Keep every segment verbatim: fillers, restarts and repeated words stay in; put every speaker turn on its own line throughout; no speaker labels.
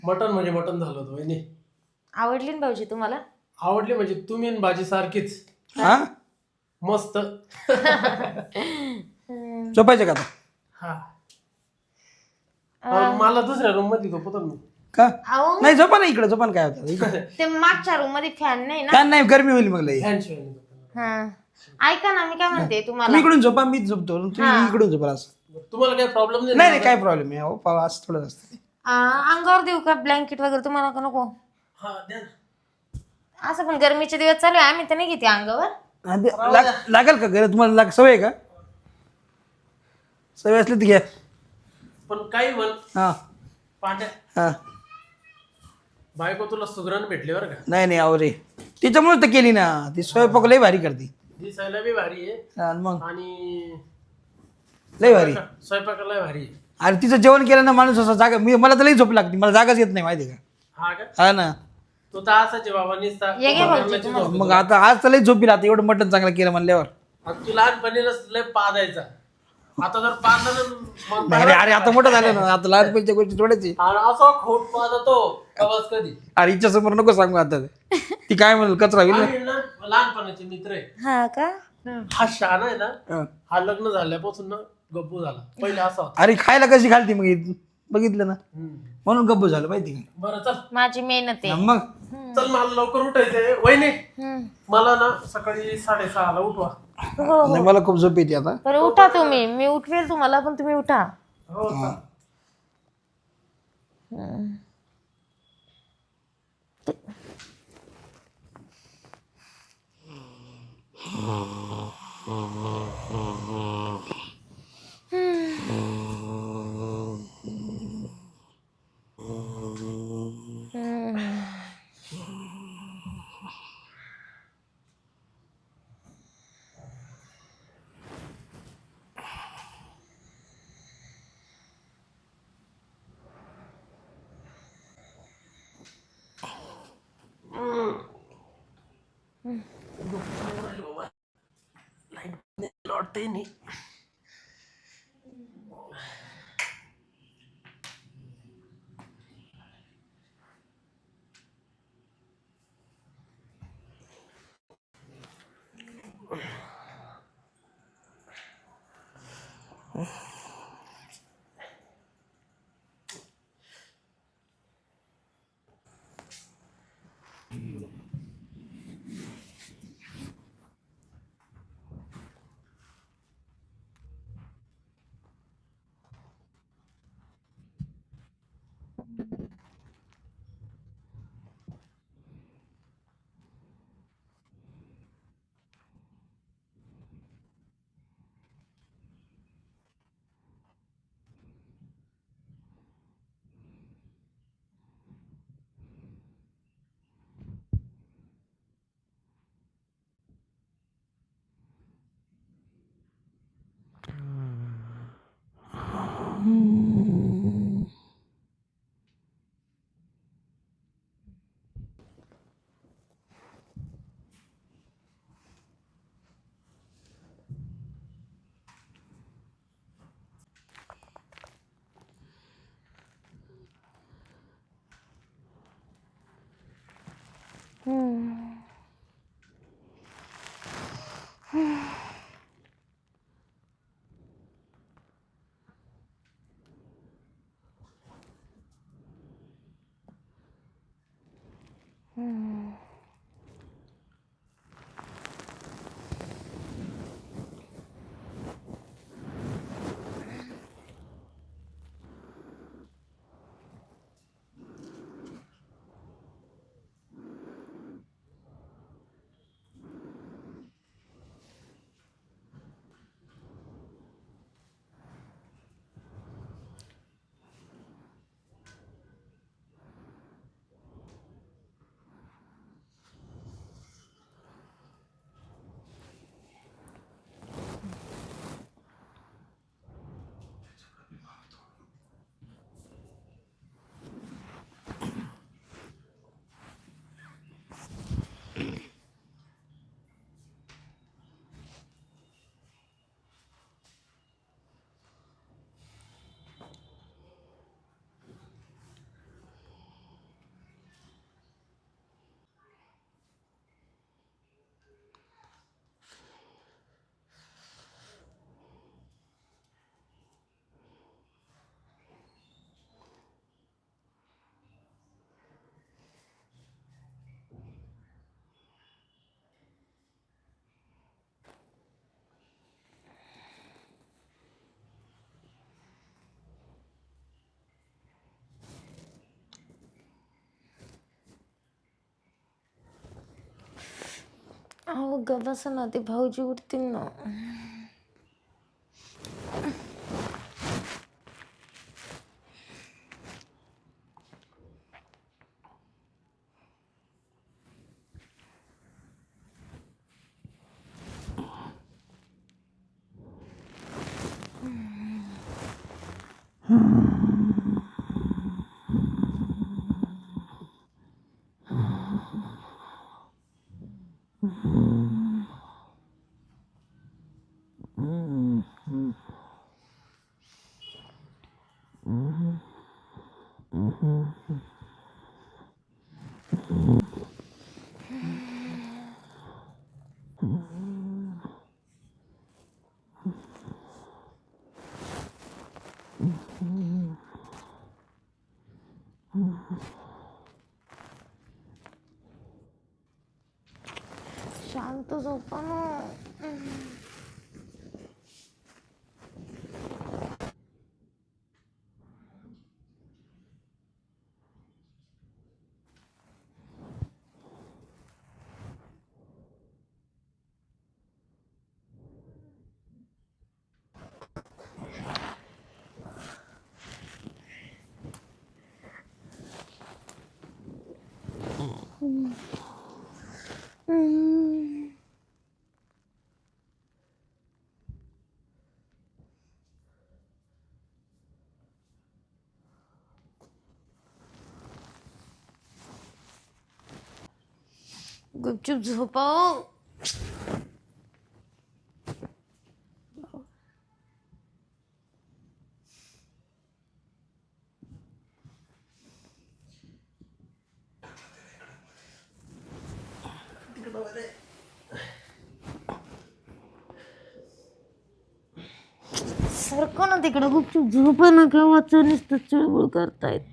Mutton म्हणजे mutton झालं होतं वहिनी.
आवडली ना भाऊजी तुम्हाला?
आवडली म्हणजे तुम्ही आणि भाजी सारखीच
हा
मस्त.
झोपायचं का आता?
हा अं, मला दुसऱ्या रूम मध्ये झोपतो मी.
का
अहो
नाही झोपा ना इकडे झोपा ना काय होतं इकडे
ते मागच्या रूम मध्ये फॅन नाही ना.
फॅन नाही गरमी होईल मग लई
फॅन शिवाय नाही झोपणार.
हा ऐका ना मी काय म्हणते तुम्हाला.
तुम्ही इकडून झोपा मीच झोपतो तुम्ही इकडून झोपा असं
तुम्हाला काही प्रॉब्लेम नाही
नाही
ना?
नाही काय प्रॉब्लेम आहे अहो पाव असं थोडं असतं
आ, अंगावर देऊ का ब्लँकेट वगैरे तुम्हाला का नको?
हा द्या ना.
असं पण गरमीचे दिवस चालू आहे आम्ही तर नाही घेते अंगावर.
हा, दे- लाग- लागेल का घर तुम्हाला लाग सवय आहे का सवय असली तर घ्या
पण काही म्हण
हा
पांड्या
हा
बायको तुला सुगरण भेटली बरं का.
नाही नाही अहो रे तिच्यामुळेच तर केली ना ती स्वयंपाक लई भारी करते
दिसायला बी भारी आहे
हा, आणि मग
आणि
लई भारी
स्वयंपाकाला भारी आहे.
अरे तिचं जेवण केलं ना माणूस असं जागा मी मला तर लई झोप लागते मला जागाच येत नाही माहिती आहे
हा का
का हा ना
तू तर असाच आहे बाबा निसता
ये घे भाऊजी
मरणाची झोप.
मग आता आज तर लई झोपी राहते एवढं मटण चांगलं केलं म्हणल्यावर
आता तू लहानपणीलाच लय पादायचा आता जर पादलं मग
नाही रे अरे आता मोठं झालं ना आता लहानपणीच्या गोष्टी थोड्याच आहे.
आणि असा खोट पादतो कवाच कधी.
अरे हिच्या समोर नको सांगू आता ते. ती काय म्हणेल कचरा होईल ना.
आम्ही ना लहानपणाचे मित्र आहे.
हा का?
हा शहाणा आहे ना
हा.
हा लग्न झाल्यापासून ना गप्पू झाला पहिले असा होता.
अरे खायला कशी घालती मग ही? बघितलं ना
हम्म.
म्हणून गप्प झालं माहिती का
बरं चल
माझी मेहनत आहे.
मग
चल मला लवकर उठायचंय वहिनी
हम्म.
मला ना सकाळी साडेसहाला उठवा.
हो
नाही, मला खूप झोप येते आता
बरं उठा तुम्ही मी उठवेल तुम्हाला पण तुम्ही उठा.
हो चल. लौटते नहीं.
अहो ग बस ना, ते भाऊजी उठतील ना. शांत झोपा ना. गुपचूप झोपा. सारखं ना तिकडं गुपचूप झोपा ना, केव्हाच नुसतं चिळबुळ करतायत.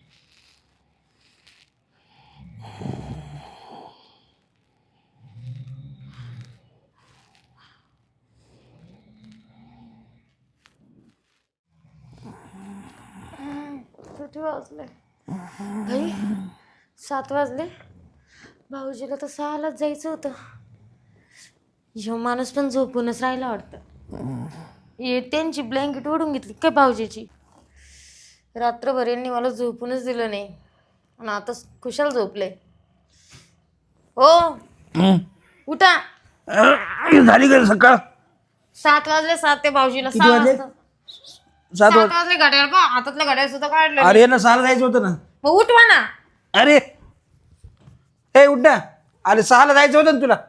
किती वाजले भाई? सात वाजले. भाऊजीला तर सहालाच जायचं होतं. ह्यो माणूस पण झोपूनच राहिला वाटतं. ये त्यांची ब्लँकेट ओढून घेतली काय भाऊजीची. रात्रभर यांनी मला झोपूनच दिलं नाही आणि आता खुशाल झोपले. हो उठा.
झाली का सकाळ?
सात वाजले. सात ते भाऊजीला
किती
सहा
वाजले?
वाजता.
सात
सात
वाज
वाजले. घड्याळ पहा, हातातलं घड्याळ सुद्धा काढलं.
अरे ना सहाला जायचं होतं ना.
मग उठवा ना.
अरे ए उठ ना. अरे सहाला जायचं होतं ना तुला.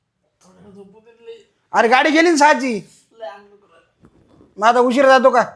अरे गाडी गेली ना सहाची. मग आता उशीर जातो का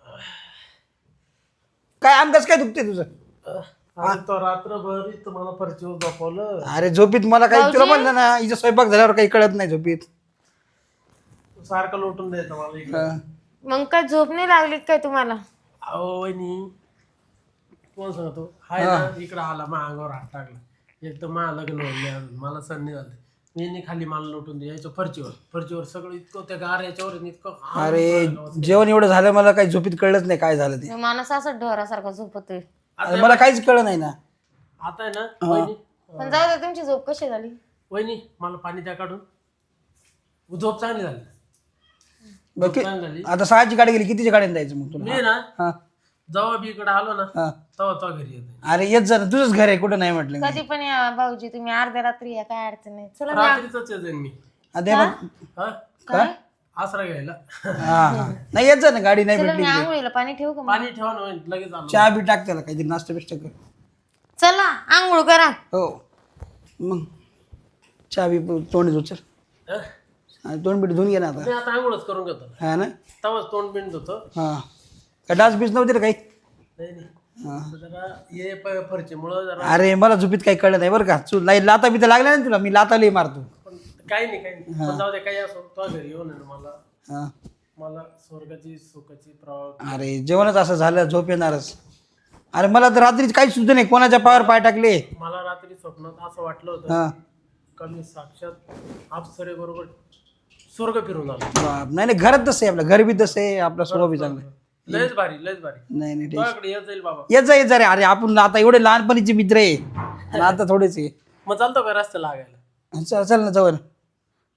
काय? आमकाच काय दुखते तुझं?
अरे तो रात्रभर इथं मला फरशीवर झोपवलं.
अरे झोपीत मला काही तुला म्हणलं ना, हिचं स्वयंपाक झाल्यावर काही कळत नाही झोपीत.
सारखं लोटून द्यायचं मला इकडं.
हा.
मग काय झोप नाही लागली काय तुम्हाला?
अहो वहिनी कोण सांगतो हाय ना, इकडं आला मा अंगावर हात टाकला. एक तर मा लग्न होईल, मला सण नाही झालं. मी खाली मला लोटून द्यायचं फरशीवर. फरशीवर सगळं इतकं त्या गार याच्यावर इतकं.
अरे जेवण एवढं झालं मला काही झोपीत कळलंच नाही काय झालं ते.
माणूस असं ढोरासारखा झोपतोय.
अरे मला काहीच कळलं नाही ना.
आता आहे ना वहिनी,
पण जाऊ दे. तुमची झोप कशी झाली?
वहिनी मला पाणी द्या काढून. झोप चांगली झाली.
बघ
झोप चांगली झाली.
आता सहाची गाडी गेली, कितीच्या गाडीने जायचं मग तुला?
मी ना
हा
जेव्हा मी इकडे आलो ना
हा.
तेव्हा तो घरी येतो.
अरे येत जा ना, तुझंच घर आहे, कुठं नाही म्हटलं मी.
कधी पण या भाऊजी, तुम्ही अर्ध्या रात्री या, काय अडचण नाही. चला मी
रात्रीच येईन मी.
आता बघ.
हा
काय
आसरा घ्यायला.
हा हा नाही येत जा ना, गाडी नाही
चला
भेटली.
मी आंघोळीला पाणी ठेवू का मग?
पाणी ठेवा ना वहिनी, लगेच आलो.
चहा बी टाक त्याला, काहीतरी नाश्ता बिष्टा कर.
चला आंघोळ करा.
हो मग चहा बी तोंड धु चल.
हं?
हा, तोंड बीट धुवून घे ना आता.
मी आता आंघोळच करून घेतो.
हा ना.
तेव्हाच तोंड बिंड होतं.
हा काय डास बीस नव्हते रे काही?
नाही नाही
हा.
जरा ये फरचीमुळं जरा.
अरे मला झोपीत काही कळलं नाही बरं का. तू लाई लाता बिता लागल्या ना तुला, मी लाता लई मारतो.
पण काही नाही काही नाही. पण जाऊ दे काही असो, तो घरी येऊन आहे ना मला
हा
मला स्वर्गाची सुखाची प्रवाह.
अरे जेवणच असं झालं, झोप येणारच. अरे मला तर रात्री काहीच सुचलं नाही, कोणाच्या पायावर पाय टाकले.
मला रात्री स्वप्नात असं वाटलं होतं
हा
का मी साक्षात अप्सरे बरोबर स्वर्ग फिरून आलो.
बाप. नाही नाही घरात तसं आहे, आपलं घर बी तसं आहे, आपला स्वभाव बी चांगला आहे.
लयच भारी लयच भारी.
नाही नाही ठीक.
तुझ्याकडे येत जाईल बाबा.
येत जा येत जा रे. अरे आपण आता एवढे लहानपणीचे मित्र आहे आणि आता थोडेच आहे.
मग चालतो का रस्त्याला लागायला?
चल चल ना जाऊ ना.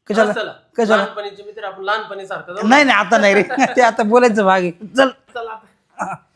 कशाला
चला
कशाला
लहानपणीचे मित्र आपण लहानपणी सारखं जाऊ.
नाही नाही आता नाही रे ते आता बोलायचं भाग आहे चल
चला आता.